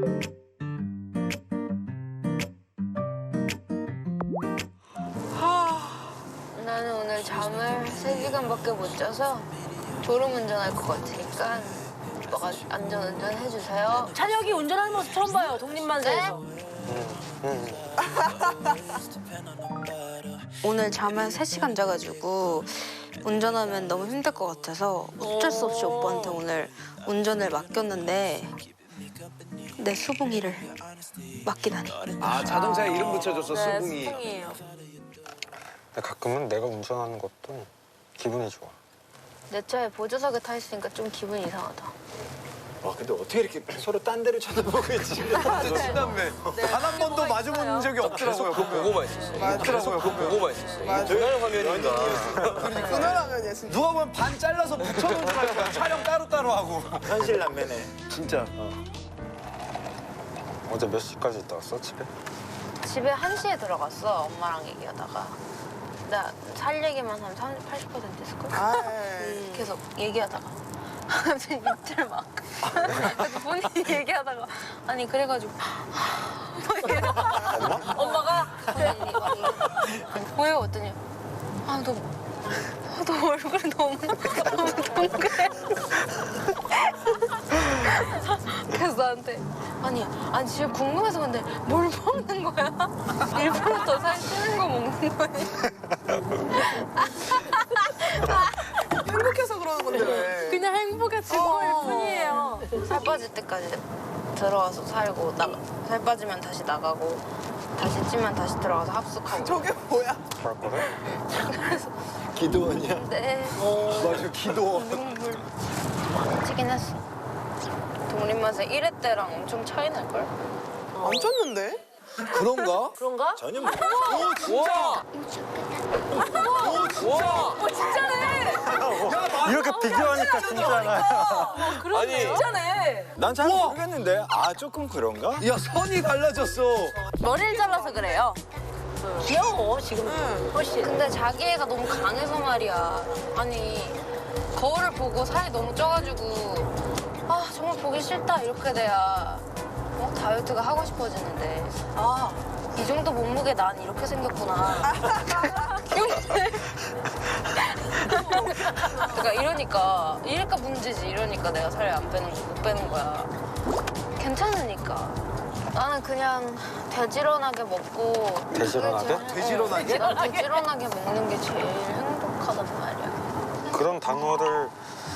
나는 오늘 잠을 3시간밖에 못 자서 졸음운전할 것 같으니까 오빠가 안전운전 해주세요. 찬혁이 운전하는 모습 처음 봐요. 독립만세에서. 오늘 잠을 3시간 자가지고 운전하면 너무 힘들 것 같아서 어쩔 수 없이 오빠한테 오늘 운전을 맡겼는데 내 수봉이를 맡기다니. 아, 자동차에 이름 붙여줬어, 네, 수붕이. 수봉이에요. 근데 가끔은 내가 운전하는 것도 기분이 좋아. 내 차에 보조석에 타 있으니까 좀 기분이 이상하다. 와, 근데 어떻게 이렇게 서로 딴 데를 쳐다보고 있지? 친남매. 단 한 번도 마주본 적이 없더라고요. 보고만 있었어. 없더라고요. 보고만 있었어. 그날 화면인가. 그날 화면이야 진짜. 누가 보면 반 잘라서 붙여놓은 줄 알고 촬영 따로따로 하고. 현실 남매네. 진짜. 어제 몇 시까지 있다 왔어, 집에? 집에 1시에 들어갔어, 엄마랑 얘기하다가. 나 살 얘기만 한 80% 했을걸? 계속 얘기하다가. 갑자기 밑을 막. 그래서 본인이 얘기하다가. 아니, 그래가지고. 엄마가 뭐예요? 어떠냐? 너 얼굴이 너무 동그래. 그래서 나한테 아니 진짜 궁금해서 근데 뭘 먹는 거야? 일부러 더 살찌는 거 먹는 거야? 행복해서 그러는 건데 왜? 그냥 행복의 증거일 뿐이에요. 살 빠질 때까지 들어와서 살고 살 빠지면 다시 나가고 다시 찌면 다시 들어가서 합숙하고. 저게 뭐야? 할 거래? 그래서 기도원이야? 네. 맞아, 기도원. 눈물 찌긴 했어. 독립맛에 1회 때랑 엄청 차이 날걸? 안 쪘는데? 그런가? 그런가? 전혀 모르 오, 진짜! 오, 진짜네. 이렇게 비교하니까 진짜나. 그러네. 진짜네. 난 잘 모르겠는데. 아, 조금 그런가? 야, 선이 달라졌어. 머리를 잘라서 그래요. 귀여워, 지금. 훨씬. 근데 자기 애가 너무 강해서 말이야. 아니 거울을 보고 살이 너무 쪄가지고 아 정말 보기 싫다 이렇게 돼야 다이어트가 하고 싶어지는데 아 이 정도 몸무게 난 이렇게 생겼구나. 그러니까 이러니까 문제지. 이러니까 내가 살을 못 빼는 거야. 괜찮으니까. 나는 그냥 돼지런하게 먹고 돼지런하게? 돼지런하게? 돼지런하게 먹는 게 제일 행복하단 말이야. 그런 단어를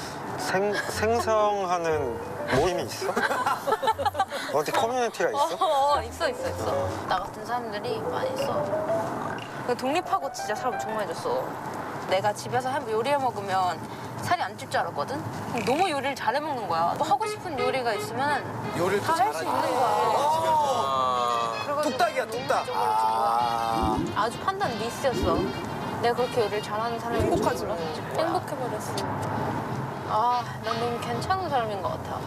생성하는 모임이 있어? 어디 커뮤니티가 있어? 있어. 나 같은 사람들이 많이 있어. 독립하고 진짜 살 엄청 많이 쪘어. 내가 집에서 요리해 먹으면 살이 안 찔 줄 알았거든? 너무 요리를 잘해 먹는 거야. 또 하고 싶은 요리가 있으면 요리를 또 다 할 수 있는 거야. 그래가지고 뚝딱이야, 너무 뚝딱. 이쪽으로 아주 판단 미스였어. 내가 그렇게 요리를 잘하는 사람이 행복하지 뭐. 행복해버렸어. 난 너무 괜찮은 사람인 것 같아.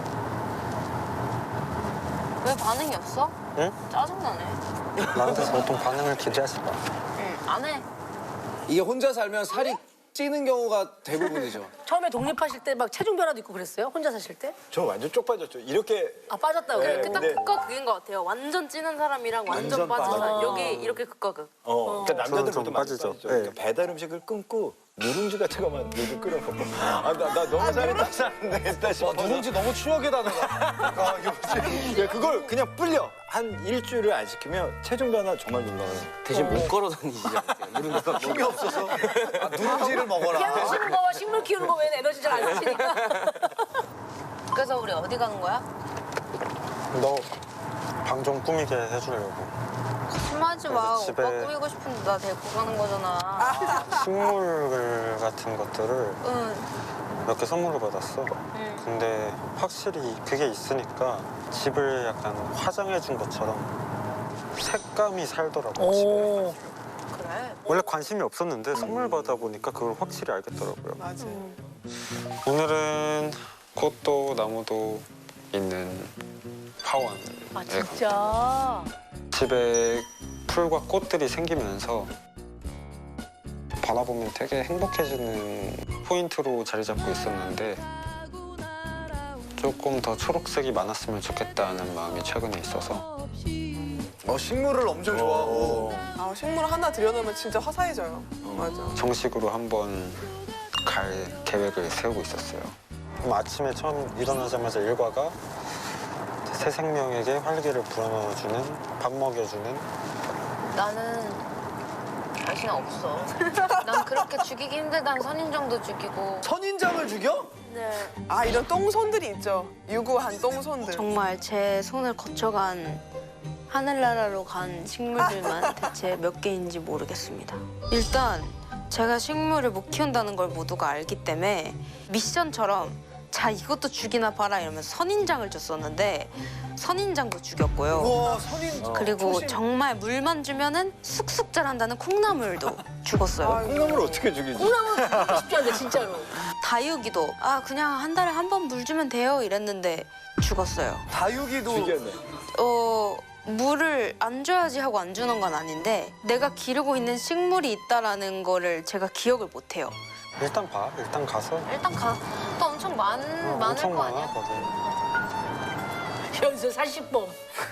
왜 반응이 없어? 응? 짜증나네. 나한테 보통 반응을 기대하지 마. 응, 안 해. 이게 혼자 살면 살이 찌는 경우가 대부분이죠. 처음에 독립하실 때 막 체중 변화도 있고 그랬어요? 혼자 사실 때? 저 완전 쪽 빠졌죠. 이렇게 아, 빠졌다고. 네, 그래. 딱 근데- 극과 극인 것 같아요. 완전 찌는 사람이랑 완전 완전 빠진 사람. 빠져. 여기 이렇게 극과 극. 그러니까 남자들 좀 보통 많이 빠지죠. 빠지죠. 네. 그러니까 배달 음식을 끊고 누룽지 같은 것만 요즘 끓여 먹고. 나 너무 살이 딱 사는데 했다 싶어. 누룽지 너무 추억의 단어다. 요즘 그걸 그냥 불려. 한 일주일을 안 시키면 체중 변화 정말 놀라워요. 대신 못 걸어 다니시지 않으세요? 이런 데서 힘이 없어서 누룽지를 먹어라. 피아노 치는 거와 식물 키우는 거 외에는 에너지 잘 안 쓰시니까. 그래서 우리 어디 가는 거야? 너 방 좀 꾸미게 해주려고. 심하지 마. 그래서 집에- 오빠 꾸미고 싶은데 나 데리고 가는 거잖아. 식물 같은 것들을 응. 몇 개 선물로 받았어. 근데 확실히 그게 있으니까 집을 약간 화장해 준 것처럼 색감이 살더라고, 집에. 오. 그래. 원래 관심이 없었는데 선물 받아 보니까 그걸 확실히 알겠더라고요. 맞아. 오늘은 꽃도 나무도 있는 하원에 아, 진짜? 집에 풀과 꽃들이 생기면서 바라보면 되게 행복해지는 포인트로 자리 잡고 있었는데 조금 더 초록색이 많았으면 좋겠다는 마음이 최근에 있어서 식물을 엄청 좋아하고. 아, 식물 하나 들여놓으면 진짜 화사해져요. 맞아. 정식으로 한번 갈 계획을 세우고 있었어요. 그럼 아침에 처음 일어나자마자 일과가 새 생명에게 활기를 불어넣어주는, 밥 먹여주는. 나는 자신 없어. 난 그렇게 죽이기 힘들다는 선인장도 죽이고. 선인장을 죽여? 네. 아, 이런 똥손들이 있죠. 유구한 똥손들. 정말 제 손을 거쳐간 하늘나라로 간 식물들만 대체 몇 개인지 모르겠습니다. 일단 제가 식물을 못 키운다는 걸 모두가 알기 때문에 미션처럼 자 이것도 죽이나 봐라 이러면서 선인장을 줬었는데 선인장도 죽였고요. 우와, 선인장. 그리고 정말 물만 주면은 쑥쑥 자란다는 콩나물도 죽었어요. 콩나물 어떻게 죽이지? 콩나물 먹고 싶지 않은데 진짜로. 다육이도 그냥 한 달에 한 번 물 주면 돼요 이랬는데 죽었어요. 다육이도 죽였네. 물을 안 줘야지 하고 안 주는 건 아닌데 내가 기르고 있는 식물이 있다라는 거를 제가 기억을 못 해요. 일단 봐. 일단 가서. 일단 또 엄청 많을 엄청 거 많아, 아니야? 거기. 여기서 사실범.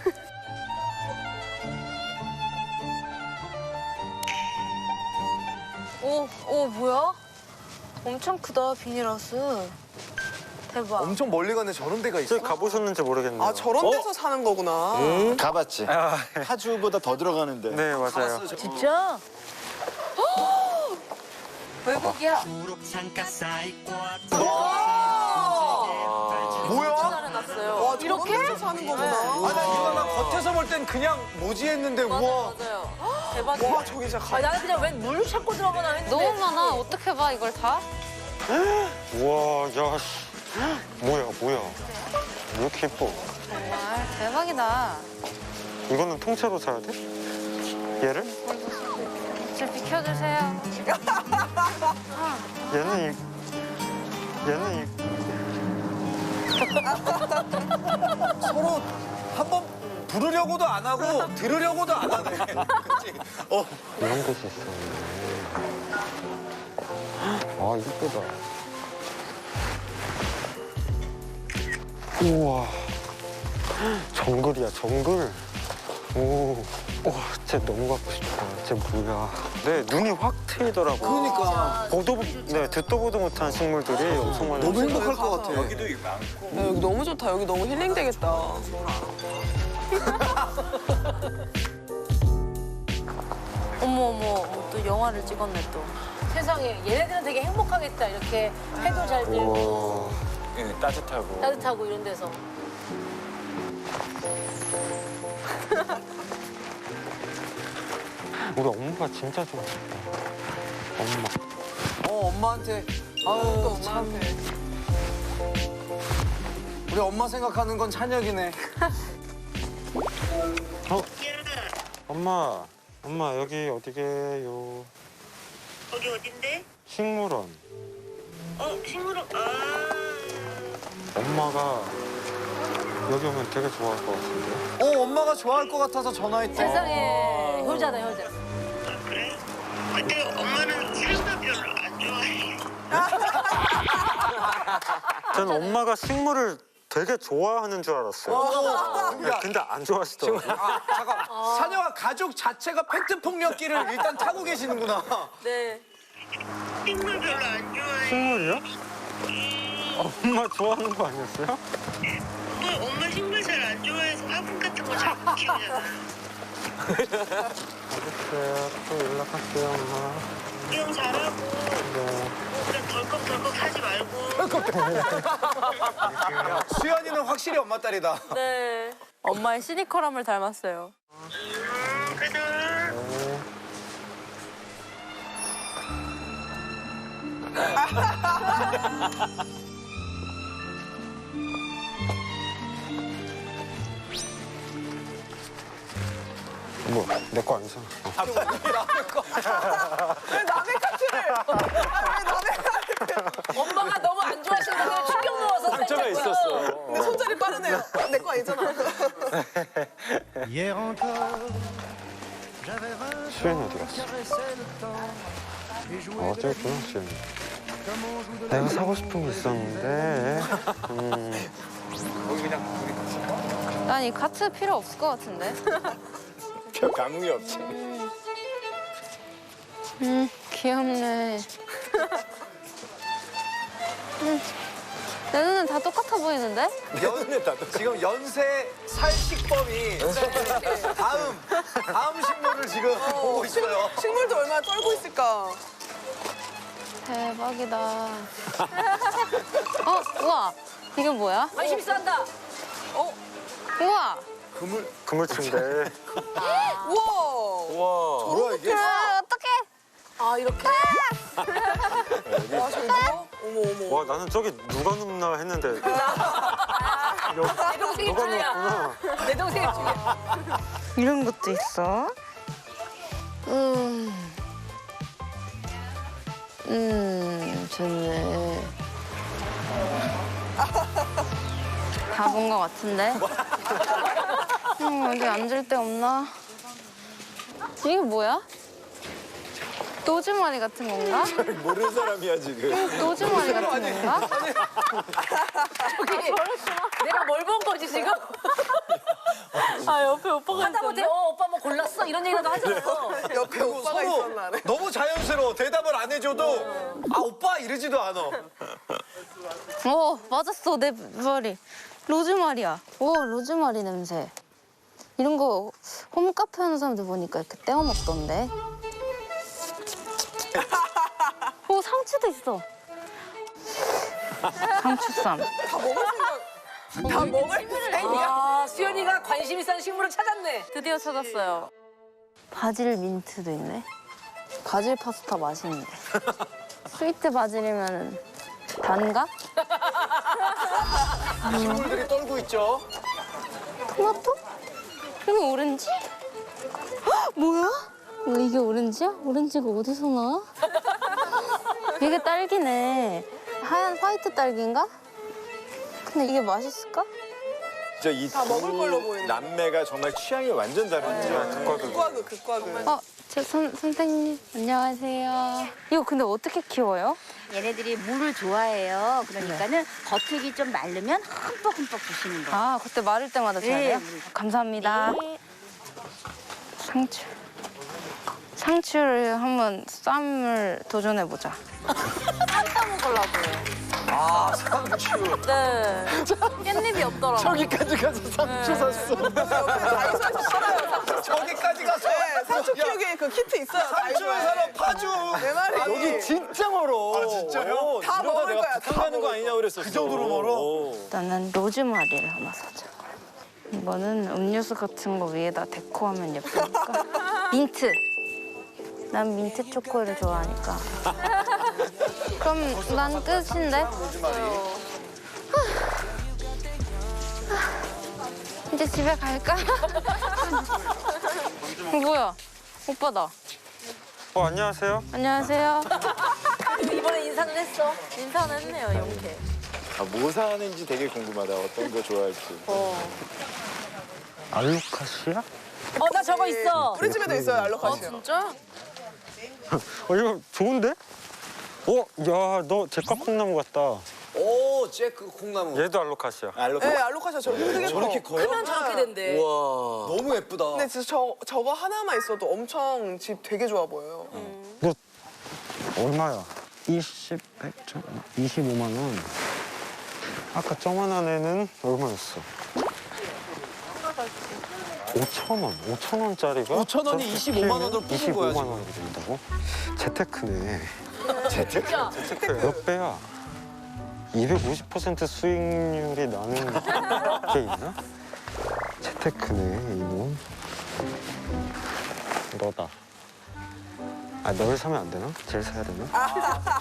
오 뭐야? 엄청 크다 비닐하우스. 대박. 엄청 멀리 가네. 저런 데가 있어. 저기 가보셨는지 모르겠네요. 아, 저런 데서 사는 거구나. 가봤지. 파주보다 더 들어가는데. 네, 맞아요. 진짜? 외국이야. 뭐야? 와, 저런 데서 사는 거구나. 나 겉에서 볼 땐 그냥 뭐지 했는데 우와. 맞아요. 와, 저기 진짜 나는 그냥 웬 물 찾고 들어가나 했는데. 너무 많아. 어떻게 봐 이걸 다? 우와, 야, 씨. 뭐야. 왜 이렇게 예뻐? 정말 대박이다. 이거는 통째로 사야 돼? 얘를? 좀 비켜주세요. 얘는 서로 한번 부르려고도 안 하고 들으려고도 안 하네. 그치? 이런 곳이 있었네. 아, 이쁘다. 우와. 정글이야, 정글. 오. 와, 쟤 너무 갖고 싶다. 쟤 뭐야. 네, 눈이 확 트이더라고. 그러니까. 듣도 보도 못한 식물들이 엄청 많아요. 너무 행복할 것 같아. 여기도 많고. 야, 여기 너무 좋다. 여기 너무 힐링 되겠다. 어머 또 영화를 찍었네 또. 세상에 얘네들은 되게 행복하겠다. 이렇게 해도 잘 들고 우와. 따뜻하고. 따뜻하고 이런 데서. 우리 엄마가 진짜 좋아했다. 엄마. 엄마한테. 또 아유, 참. 엄마한테. 우리 엄마 생각하는 건 찬혁이네. 엄마 여기 어디게요? 거기 어딘데? 식물원. 식물원. 엄마가 여기 오면 되게 좋아할 것 같은데. 엄마가 좋아할 것 같아서 전화했대. 세상에 효자다 효자. 그래? 근데 엄마는 식물 별로 안 좋아해. 저는 엄마가 식물을 되게 좋아하는 줄 알았어요. 근데 안 좋아하시더라고요. 잠깐. 사녀와 가족 자체가 팩트 폭력기를 일단 타고 계시는구나. 네. 식물 별로 안 좋아해. 식물이요? 엄마 좋아하는 거 아니었어요? 엄마 식물 잘 안 좋아해서 화분 같은 거 잘 못 키우잖아. 알겠어요. 또 연락할게요, 엄마. 구경 잘하고 네. 그냥 덜컥덜컥 하지 말고. 수연이는 확실히 엄마 딸이다. 네. 엄마의 시니컬함을 닮았어요. 그래서 뭐, 내 거 아니잖아. 왜 남의 카트를? 왜 남의 카트를? 엄마가 너무 안 좋아하시는데 충격 넣어서 살짝 있었어. 근데 손자리 빠르네요. 내 거 아니잖아. 수연이 어디 갔어? 저기 있구나, 수연이. 내가 사고 싶은 게 있었는데. 난 이 카트 필요 없을 것 같은데. 별 감흥이 없지. 귀엽네. 내 눈엔 다 똑같아 보이는데? 지금 연쇄 살식범이 다음 식물을 지금 보고 있어요. 식물도 얼마나 떨고 있을까. 대박이다. 우와. 이게 뭐야? 관심 있어 한다. 우와. 그물침대. 우와. 뭐야 이게? 어떡해. 아, 이렇게? 와, 저기 누워? 어머, 어머. 와 나는 저기 누가 눕나 했는데 내 동생이 누가 중이야. 눕구나. 내 동생이 중이야. 이런 것도 있어? 좋네. 다 본 것 같은데? 어디 앉을 데 없나? 이게 뭐야? 노즈마리 같은 건가? 모르는 사람이야 지금. 노즈마리 같은 건가? 내가 뭘 본 거지 지금? 옆에 오빠가 하다못해 오빠 뭐 골랐어? 이런 얘기라도 하잖아. 옆에 오빠가 서로 있었나? 네. 너무 자연스러워. 대답을 안 해줘도 아 오빠 이러지도 않아. 맞았어. 내 머리. 로즈마리야. 로즈마리 냄새. 이런 거 홈카페 하는 사람들 보니까 이렇게 떼어 먹던데. 상추도 있어. 상추쌈. 다 먹을 생각. 다 먹을 생각이야. 아, 수연이가 관심 있는 식물을 찾았네. 드디어 찾았어요. 바질 민트도 있네. 바질 파스타 맛있는데. 스위트 바질이면 단가? 식물들이 떨고 있죠. 토마토? 그리고 오렌지? 헉, 뭐야? 이게 오렌지야? 오렌지가 어디서 나와? 이게 딸기네. 하얀 화이트 딸기인가? 근데 이게 맛있을까? 진짜 이 다 먹을 걸로 두 보이네. 남매가 정말 취향이 완전 다르죠. 극과극, 극과극. 선생님 안녕하세요. 이거 근데 어떻게 키워요? 얘네들이 물을 좋아해요. 그러니까는 겉흙이 좀 마르면 흠뻑흠뻑 부시는 거. 아, 그때 마를 때마다 줘야 돼요? 네. 감사합니다. 네. 상추. 상추를 한번 쌈을 도전해보자. 아 상추. 네. 깻잎이 없더라고요. 저기까지 가서 상추 샀어. 다이소에서 팔아요. 저기까지 가서. 네, 상추 키우기 그 키트 있어요. 상추를 다이소에. 사러 파주. 내 말이. 여기 진짜 멀어. 아 진짜요? 다 먹을 거야, 다 가는 거 먹을 아니냐 그랬었어. 그 정도로 멀어? 일단은 로즈마리를 하나 사자. 이거는 음료수 같은 거 위에다 데코하면 예쁘니까. 민트. 난 민트 초코를 좋아하니까. 그럼 난 끝인데? 이제 집에 갈까? 뭐야? 오빠다. 안녕하세요. 안녕하세요. 이번에 인사는 했어. 인사는 했네요, 이렇게. 뭐 사는지 되게 궁금하다. 어떤 거 좋아할지. 알로카시아? 나 저거 있어. 우리 집에도 있어요, 알로카시아. 진짜? 이거 좋은데? 야, 너 제과 콩나무 같다. 오, 잭그 콩나무. 얘도 알로카시아. 네, 알로카시아 저렇게 크게 저렇게 커. 커요? 크면 저렇게 된대. 와, 너무 예쁘다. 근데 진짜 저거 하나만 있어도 엄청 집 되게 좋아 보여요. 너 얼마야? 25만 원. 아까 저만한 애는 얼마였어? 5천 원. 5천 원짜리가 5천 원이 25만 원으로 뽑은 거야, 25만 지금. 원이 된다고? 재테크네. 재테크? 몇 배야? 250% 수익률이 나는 게 있나? 재테크네, 이놈. 너다. 널 사면 안 되나? 쟤를 사야 되나?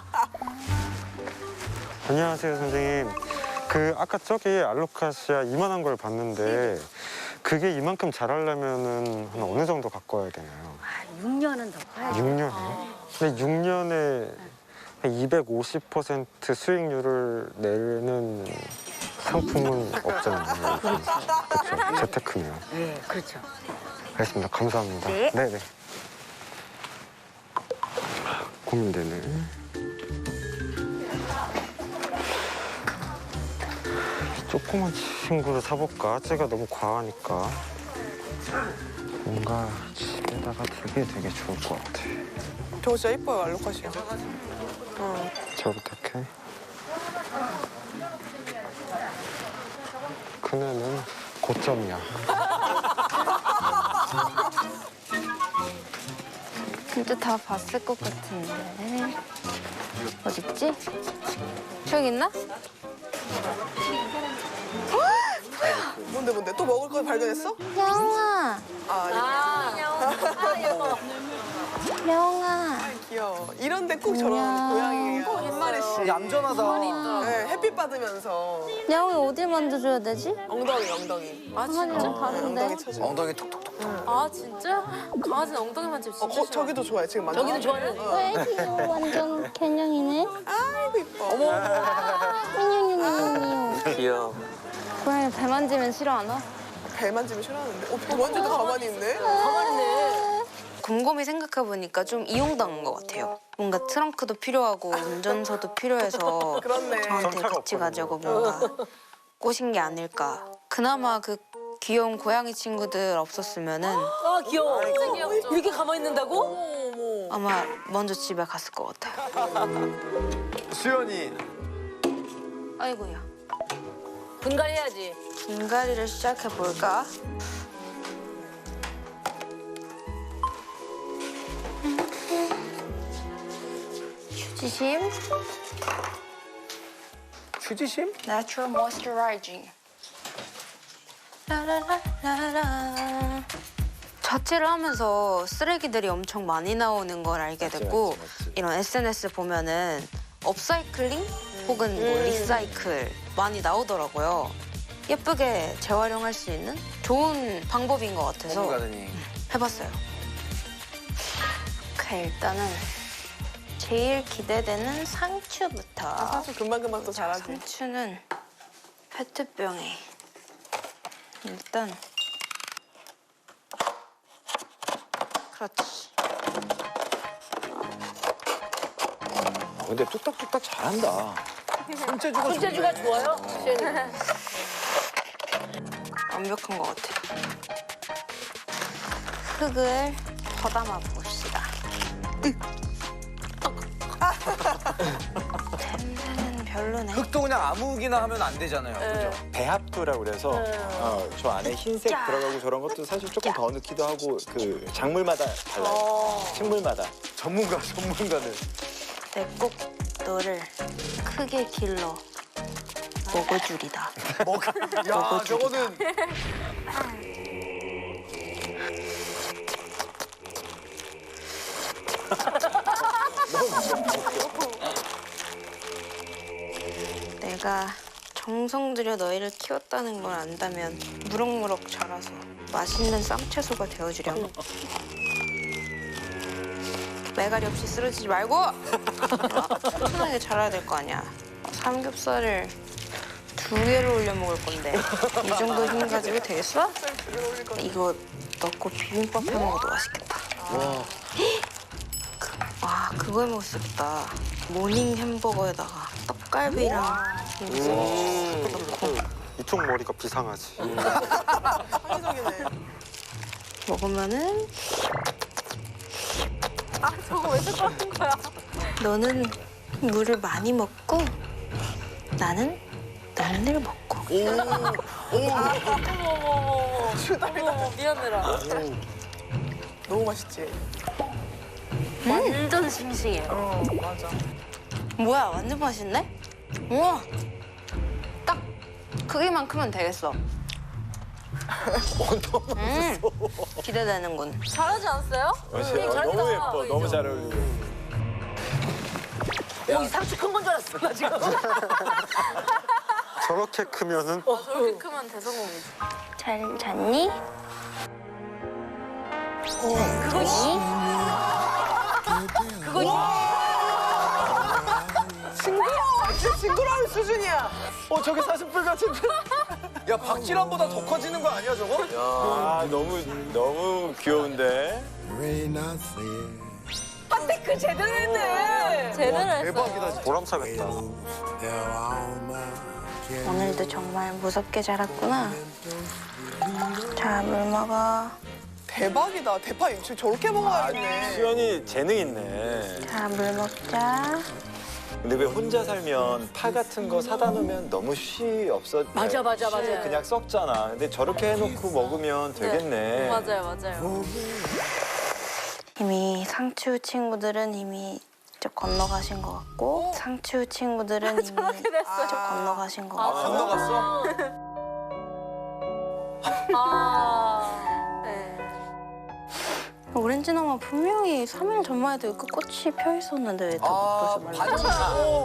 안녕하세요, 선생님. 아까 저기 알로카시아 이만한 걸 봤는데 그게 이만큼 자라려면은 한 어느 정도 갖고 와야 되나요? 6년은 더 커야죠. 6년이요? 근데 6년에 250% 수익률을 내는 상품은 없잖아요. 그렇죠. 재테크네요. 네, 그렇죠. 알겠습니다. 감사합니다. 네. 네네. 고민되네. 조그만 친구를 사볼까? 쟤가 너무 과하니까. 뭔가 집에다가 되게 좋을 것 같아. 저거 진짜 이뻐요, 알로카시아. 저부터 할게. 그네는 고점이야. 진짜 다 봤을 것 같은데. 어딨지? 저기 있나? 뭔데? 또 먹을 거 발견했어? 영아, 영아. 귀여워. 이런데 꼭 저런 고양이가 한 마리씩. 얌전하다. 네, 햇빛 받으면서 영이 어딜 만져줘야 되지? 엉덩이. 아, 진짜? 엉덩이 쳐줘. 엉덩이 톡톡톡. 아 진짜? 강아지는 엉덩이 만지면 진짜 싫어. 저기도 좋아해, 지금 만져. 저기도 좋아하는. 왜 귀여워. 완전 개냥이네. 아이고, 이뻐. 귀여워. 고양이 배 만지면 싫어하나? 배 만지면 싫어하는데. 배 만지도 가만히 있네. 곰곰이 생각해보니까 좀 이용당한 것 같아요. 뭔가 트렁크도 필요하고 운전서도 필요해서 그렇네. 저한테 같이 가자고 뭔가 꼬신 게 아닐까. 그나마 그 귀여운 고양이 친구들 없었으면은 아 귀여워. 이렇게 가만히 있는다고? 아마 먼저 집에 갔을 것 같아요. 수연이. 아이고야. 분갈해야지. 분갈이를 시작해볼까? 휴지심, 휴지심? Natural Moisturizing. 라라라라라. 자취를 하면서 쓰레기들이 엄청 많이 나오는 걸 알게 됐고 맞지. 이런 SNS 보면은 업사이클링 혹은 뭐 리사이클 많이 나오더라고요. 예쁘게 재활용할 수 있는 좋은 방법인 것 같아서 가더니. 해봤어요. 오케이, 일단은 제일 기대되는 상추부터. 사실 금방금방 또 잘하지. 상추는 페트병에 일단 그렇지. 근데 뚝딱뚝딱 잘한다. 손재주가 손재주가 좋아요? 시연이. 완벽한 것 같아. 흙을 더담아 봅시다. 냄새는 별로네. 흙도 그냥 아무 흙이나 하면 안 되잖아요. 그죠? 배합토라고 그래서 저 안에 흰색 들어가고 저런 것도 사실 조금 더 넣기도 하고 그 작물마다 달라요. 식물마다. 전문가는. 내 꼭 너를 크게 길러 먹어주리다. 야, 저거는 내가 정성 들여 너희를 키웠다는 걸 안다면 무럭무럭 자라서 맛있는 쌈채소가 되어주렴. 매가리 없이 쓰러지지 말고 튼튼하게 자라야 될 거 아니야. 삼겹살을 2개를 올려 먹을 건데 이 정도 힘 가지고 되겠어? 이거 넣고 비빔밥 해 먹어도 맛있겠다. 와, 그거 해 먹었겠다. 모닝 햄버거에다가 떡갈비랑 넣고 이쪽 머리가 비상하지. 창의적이네. 먹으면은 저거 왜 자꾸 하는 거야? 너는 물을 많이 먹고 나는 널 먹고. 주담이다. 미안해라. 너무 맛있지? 완전 싱싱해요. 맞아. 뭐야, 완전 맛있네? 우와, 딱 크기만 크면 되겠어. 기대되는군. 잘하지 않았어요? 너무 예뻐. 너무 잘 어울리고. 이 상추 큰 건 줄 알았어 나 지금. 저렇게 크면은 저렇게 크면 대성공이지. 잘 잤니? 그거지? 진짜 징그러운 수준이야. 저게 사슴뿔 같은데? 야, 박지란보다 더 커지는 거 아니야, 저거? 아, 너무 귀여운데? 핫테크 제대로 했네. 제대로 했어. 대박이다, 진짜. 보람차겠다. 오늘도 정말 무섭게 자랐구나. 자, 물 먹어. 대박이다. 대파 육수 저렇게 먹어야겠네. 수연이 재능 있네. 자, 물 먹자. 근데 왜 혼자 살면 파 같은 거 사다 놓으면 너무 쉬 없어. 맞아, 맞아, 쉬 맞아요. 그냥 썩잖아. 근데 저렇게 해놓고 먹으면 되겠네. 맞아요. 이미 상추 친구들은 이미 저 건너가신 것 같고 상추 친구들은 이미 저 건너가신 것 같고 건너갔어? 오렌지나무 분명히 3일 전만 해도 그 꽃이 펴 있었는데 왜 벌써 말랐지?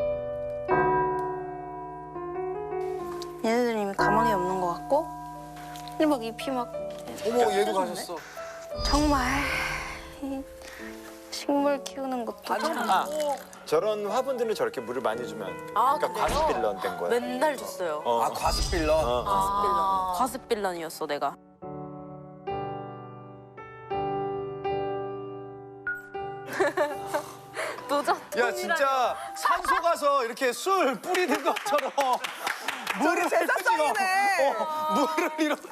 얘네들은 이미 가망이 없는 것 같고 근데 막 잎이 막 어머 얘도 가셨어. 정말 이 식물 키우는 것도 참 저런 화분들은 저렇게 물을 많이 주면 그러니까 과습빌런 된 거야. 맨날 줬어요. 어. 아 과습빌런. 과습빌런이었어 내가. 야 진짜 산소 가서 이렇게 술 뿌리는 것처럼 물을 제사상이네. 물을 이렇게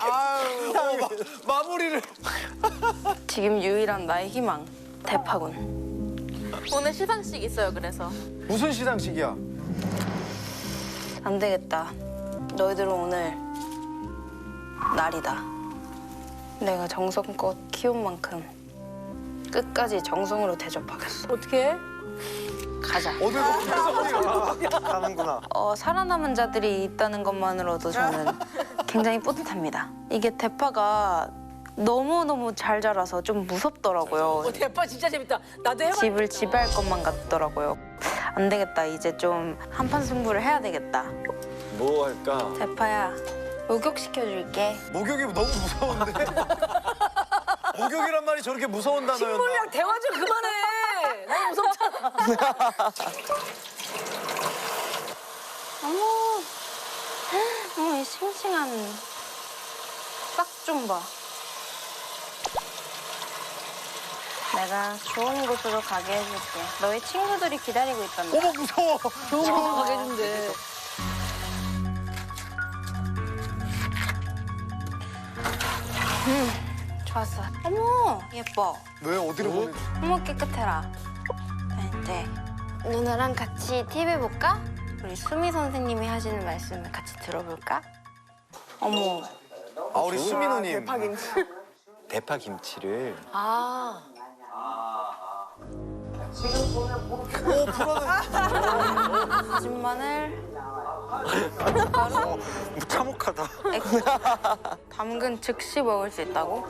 마무리를. 지금 유일한 나의 희망 대파군. 오늘 시상식 있어요 그래서. 무슨 시상식이야? 안 되겠다. 너희들은 오늘 날이다. 내가 정성껏 키운 만큼 끝까지 정성으로 대접하겠어. 어떻게? 가자. 어딜 보면서 하는구나. 살아남은 자들이 있다는 것만으로도 저는 굉장히 뿌듯합니다. 이게 대파가 너무너무 잘 자라서 좀 무섭더라고요. 대파 진짜 재밌다. 나도 해봐. 집을 지배할 것만 같더라고요. 안 되겠다. 이제 좀 한판 승부를 해야 되겠다. 뭐 할까? 대파야, 목욕시켜줄게. 목욕이 너무 무서운데? 목욕이란 말이 저렇게 무서운 단어였나? 식물이랑 대화 좀 그만해. 너무 무섭잖아. 어머, 이 싱싱한 싹 좀 봐. 내가 좋은 곳으로 가게 해줄게. 너희 친구들이 기다리고 있단다. 어머 무서워. 좋은 곳으로 가게 해준대. 좋았어. 어머, 예뻐. 왜 어디로 보내? 어머, 깨끗해라. 자, 이제 누나랑 같이 TV 볼까? 우리 수미 선생님이 하시는 말씀을 같이 들어볼까? 어머, 아 우리 수민호님. 대파 김치를 아. 다진 마늘, 참혹하다. 액젓, 담근 즉시 먹을 수 있다고?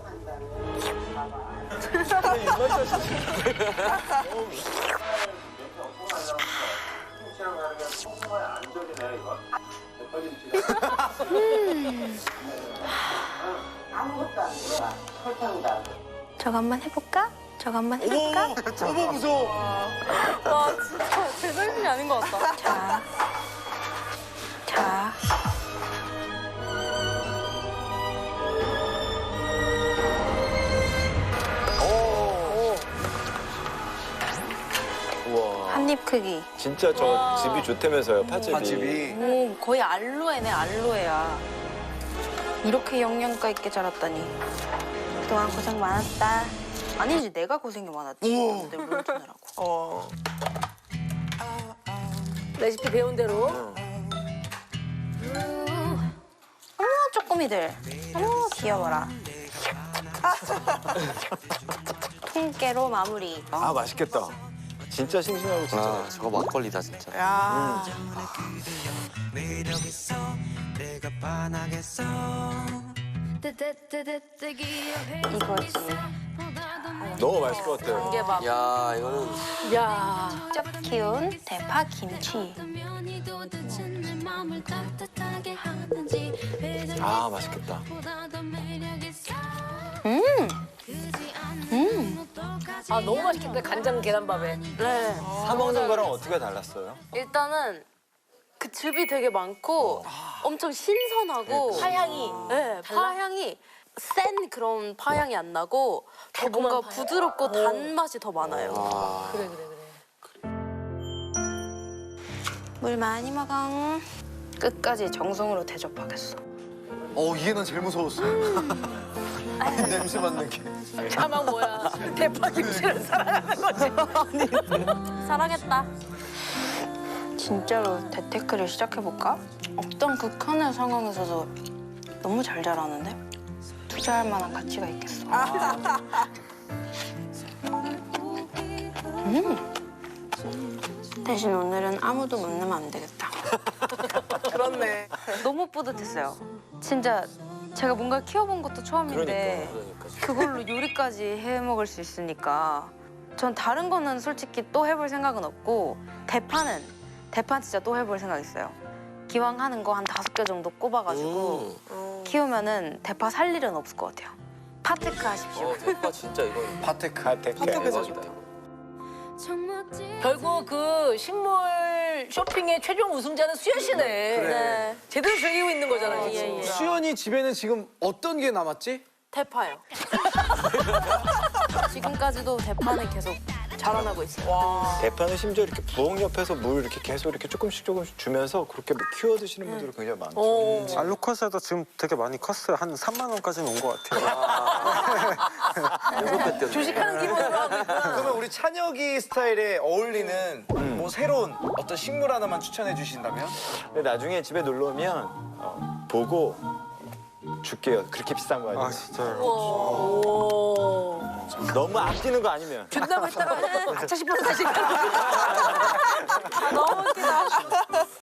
저거 한번 해볼까? 저거 한번 해볼까? 어머 무서워. 와 진짜 제 삶이 아닌 것 같다. 자. 우와. 한 입 크기. 진짜 저 집이 좋다면서요, 파집이. 파집이. 오, 거의 알로에네, 알로에야. 이렇게 영양가 있게 자랐다니. 그동안 고생 많았다. 아니지, 내가 고생이 많았지. 내 물 주느라고. 레시피 배운 대로. 어머, 쪼꼬미들. 어머, 귀여워라. 통깨로 마무리. 아, 맛있겠다. 진짜 싱싱하고 진짜. 아 저거 막걸리다 진짜. 야. 이거지. 너무 맛있을 것 같아요. 이게 막 야 이거는 야. 직접 키운 대파 김치. 아, 맛있겠다. 아 너무 맛있겠다. 간장 계란밥에. 네. 사 먹는 거랑 어떻게 달랐어요? 일단은 그 즙이 되게 많고 엄청 신선하고 파향이. 네, 파향이 센 그런 파향이 안 나고 더 뭔가 파향. 부드럽고 단맛이 더 많아요. 그래. 물 많이 먹어. 끝까지 정성으로 대접하겠어. 이게 난 제일 무서웠어. 냄새 맡는 게. 자막 뭐야? 대파 김치를 사랑하는 거지. 사랑했다. 진짜로 재테크를 시작해볼까? 어떤 극한의 상황에서도 너무 잘 자라는데? 투자할 만한 가치가 있겠어. 대신 오늘은 아무도 못 내면 안 되겠다. 그렇네. 너무 뿌듯했어요. 진짜 제가 뭔가 키워본 것도 처음인데 그걸로 요리까지 해 먹을 수 있으니까 전 다른 거는 솔직히 또 해볼 생각은 없고 대파 진짜 또 해볼 생각 있어요. 기왕 하는 거 한 5개 정도 꼽아가지고 키우면은 대파 살 일은 없을 것 같아요. 파테크 하십시오. 대파 진짜 이거 파테크. 파테크에서 대박이다. 결국 그 식물 쇼핑의 최종 우승자는 수연 씨네. 네. 제대로 즐기고 있는 거잖아. 지금. 예, 예. 수연이 집에는 지금 어떤 게 남았지? 대파요. 지금까지도 대파는 계속 자라나고 있어요. 대파는 심지어 이렇게 부엌 옆에서 물 이렇게 계속 이렇게 조금씩 주면서 그렇게 키워 드시는 분들이 굉장히 많죠. 알로컷에도 지금 되게 많이 컸어요. 한 3만 원까지는 온 것 같아요. 주식하는 기분으로 하고 있구나. 그러면 우리 찬혁이 스타일에 어울리는 뭐 새로운 어떤 식물 하나만 추천해 주신다면? 근데 나중에 집에 놀러 오면 보고 줄게요. 그렇게 비싼 거 아 아니에요. 진짜요? 오. 너무 아끼는 거 아니면. 준다고 했다가 아차 싶어서 다시. 너무 웃기다.